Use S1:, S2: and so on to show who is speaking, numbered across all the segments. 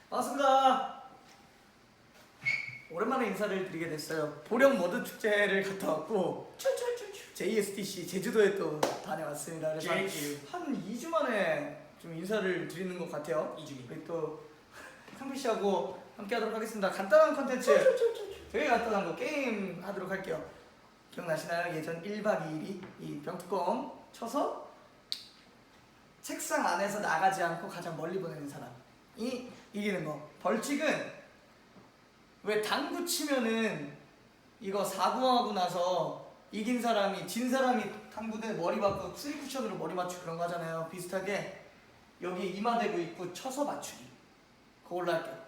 S1: 반갑습니다. 오랜만에 인사를 드리게 됐어요. 보령 머드 축제를 갔다 왔고 JSTC 제주도에 또 다녀왔습니다. 그래서 한 2주 만에 좀 인사를 드리는 것 같아요. 2주. 우리 또 상필 씨하고 함께 하도록 하겠습니다. 간단한 컨텐츠, 되게 간단한 거 게임 하도록 할게요. 기억나시나요? 예전 1박 2일이 이 병뚜껑 쳐서 책상 안에서 나가지 않고 가장 멀리 보내는 사람이 이기는 거. 벌칙은 왜 당구 치면은 이거 4구하고 나서 이긴 사람이 진 사람이 당구대 머리 맞고 3쿠션으로 머리 맞추고 그런 거 하잖아요. 비슷하게 여기 이마 대고 있고 쳐서 맞추기. 그걸로 할게요.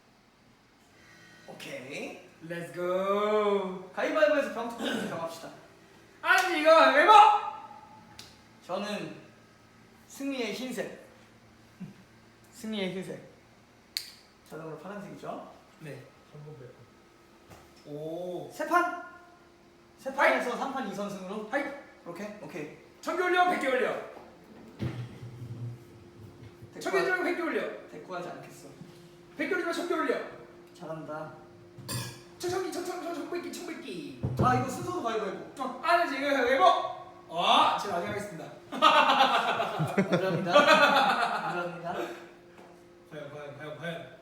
S1: 오케이.
S2: 렛츠고.
S1: 가위바위보에서 병뚜껑 정합시다.
S2: 아니 이거 왜 봐?
S1: 저는 승리의 흰색. 승리의 흰색. 자동으로 파란색이죠?
S2: 네. 전부 몇 오.
S1: 세 판? 세 판에서 3판 2선승으로?
S2: 하이.
S1: 그렇게? 오케이.
S2: 1000개 올려, 100개 올려. 1000개 올리면 100개 올려.
S1: 대꾸하지 않겠어.
S2: 100개 올리면 1000개 올려.
S1: 잘한다.
S2: 1100개.
S1: 아 이거 순서도 가위바위보.
S2: 아니 지금 왜 봐? 제가 나중에 하겠습니다.
S1: 감사합니다. 감사합니다.
S2: 과연.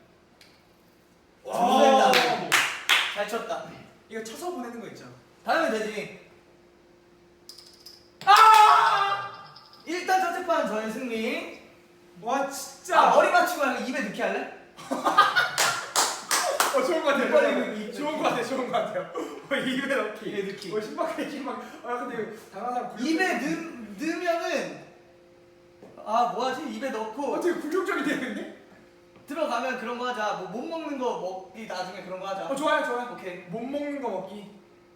S1: 와. 잘 쳤다.
S2: 이거 쳐서 보내는 거 있죠?
S1: 다음에 되지. 일단 첫째 판 저의 승리.
S2: 와 진짜.
S1: 머리 맞추고 하는 거 입에 넣기 할래?
S2: 좋은 거 같아요.
S1: 빨리
S2: 좋은 거 같아요. 입에 넣기.
S1: 입에 넣기.
S2: 신박해. 근데 당한 사람
S1: 입에 넣으면은 뭐하지? 입에 넣고
S2: 되게 굴욕적이 되는데?
S1: 들어가면 그런 거 하자. 뭐 못 먹는 거 먹기 나중에 그런 거 하자.
S2: 좋아요.
S1: 오케이.
S2: 못 먹는 거 먹기.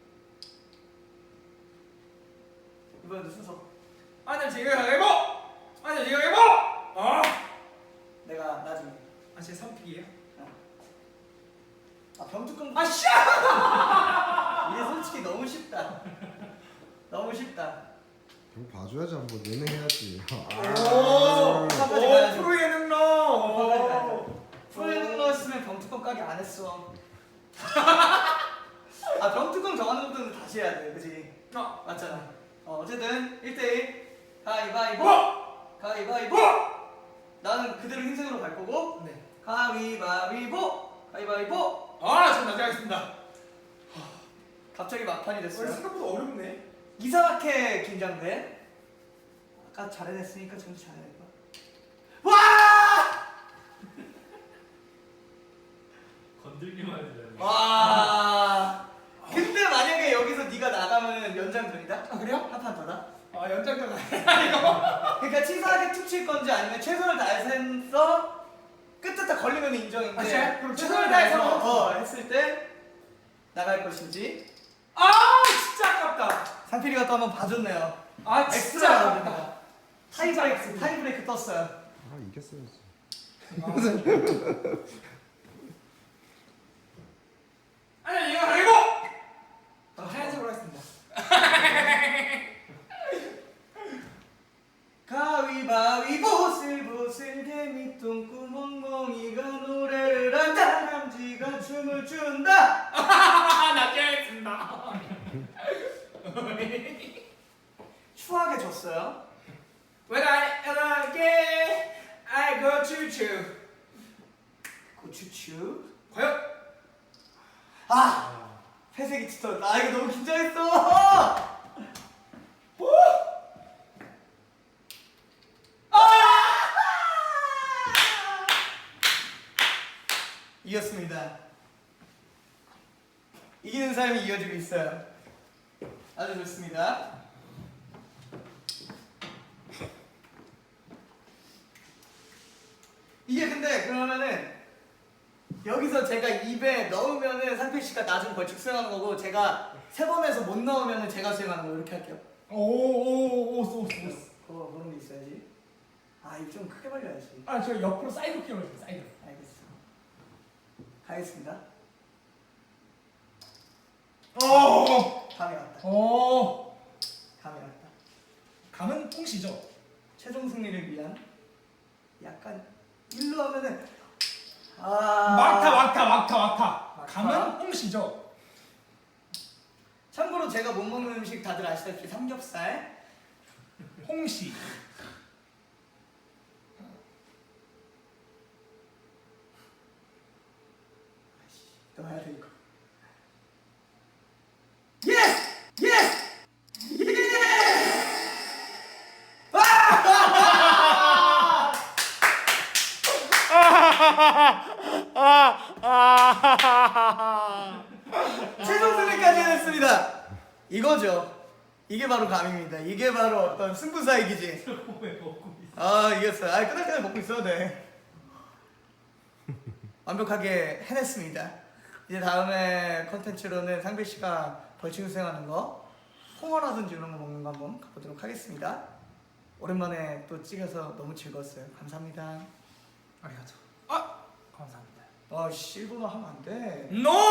S1: 이번에도 순서.
S2: 아니 지금 해보.
S1: 내가 나중에.
S2: 제 3픽이에요?
S1: 병뚜껑.
S2: 씨!
S1: 이게 솔직히 너무 쉽다. 너무 쉽다.
S3: 형 봐줘야지 한번 예능해야지.
S1: 끝까지 가야죠.
S2: 프로 예능러.
S1: 프로 예능 넣었으면 병뚜껑 까기 안 했어. 병뚜껑 정하는 것도 다시 해야 돼, 그지? 맞잖아. 어쨌든 1대1 가위바위보. 가위바위보. 나는 그대로 흰색으로 갈 거고.
S2: 네.
S1: 가위바위보. 가위바위보.
S2: 전 나중에 하겠습니다.
S1: 갑자기 막판이 됐어요.
S2: 생각보다 어렵네.
S1: 이상하게 긴장돼. 아까 잘해냈으니까 점수 잘해낼 거야. 와!
S4: 건들기만 해도
S1: 와! 근데 만약에 여기서 네가 나가면 연장전이다?
S2: 그래요?
S1: 한 판 더다?
S2: 연장전 이거.
S1: 그러니까 치사하게 툭 칠 건지 아니면 최선을 다해서 끝에 딱 걸리면 인정인데
S2: 진짜? 그럼 최선을 다해서
S1: 했을 때 나갈 것인지.
S2: 진짜 아깝다.
S1: 상필이가 또 한번 봐줬네요.
S2: 진짜 아깝다.
S1: 엑스트라 타이브레이크 떴어요.
S3: 이겼어야지.
S2: 아니 이거 아니고. 하얀색으로 하겠습니다.
S1: 가위바위보 보슬보슬 개미 똥구멍멍이가 노래를 한다. 남지가 춤을 춘다.
S2: 나 깨겠습니다.
S1: 추하게 졌어요.
S2: When I get, I go choo-choo.
S1: 고추추.
S2: 과연?
S1: 회색이 짙었다. 이거 너무 긴장했어. 이겼습니다. 이기는 사람이 이겨주고 있어요. 아주 좋습니다. 이게 근데 그러면은 여기서 제가 입에 넣으면은 상필 씨가 나중 벌칙 수행하는 거고, 제가 3번에서 못 넣으면은 제가 수행하는 거. 이렇게 할게요. 그런 게 있어야지. 이거 좀 크게 벌려야지.
S2: 저 옆으로 사이드 키워줘요. 사이드.
S1: 알겠어. 가겠습니다. 감이 왔다. 감이 왔다.
S2: 감은 통시죠.
S1: 최종 승리를 위한 약간 일로 하면은
S2: 막타. 감은 홍시죠.
S1: 참고로 제가 못 먹는 음식 다들 아시다시피 삼겹살.
S2: 홍시.
S1: 또 해야 돼 이거. 예스! 예스! 최종 승리까지 해냈습니다. 이거죠. 이게 바로 감입니다. 이게 바로 어떤 승부사의 기지.
S4: 왜 먹고 있어?
S1: 아 이겼어요. 아 끝날 때까지 먹고 있어도 돼. 완벽하게 해냈습니다. 이제 다음에 컨텐츠로는 상배 씨가 벌칙 수행하는 거, 홍어라든지 이런 거 먹는 거 한번 가보도록 하겠습니다. 오랜만에 또 찍어서 너무 즐거웠어요. 감사합니다.
S2: 아리가토. 감사합니다.
S1: 아, 일본어 하면 안 돼.
S2: 노!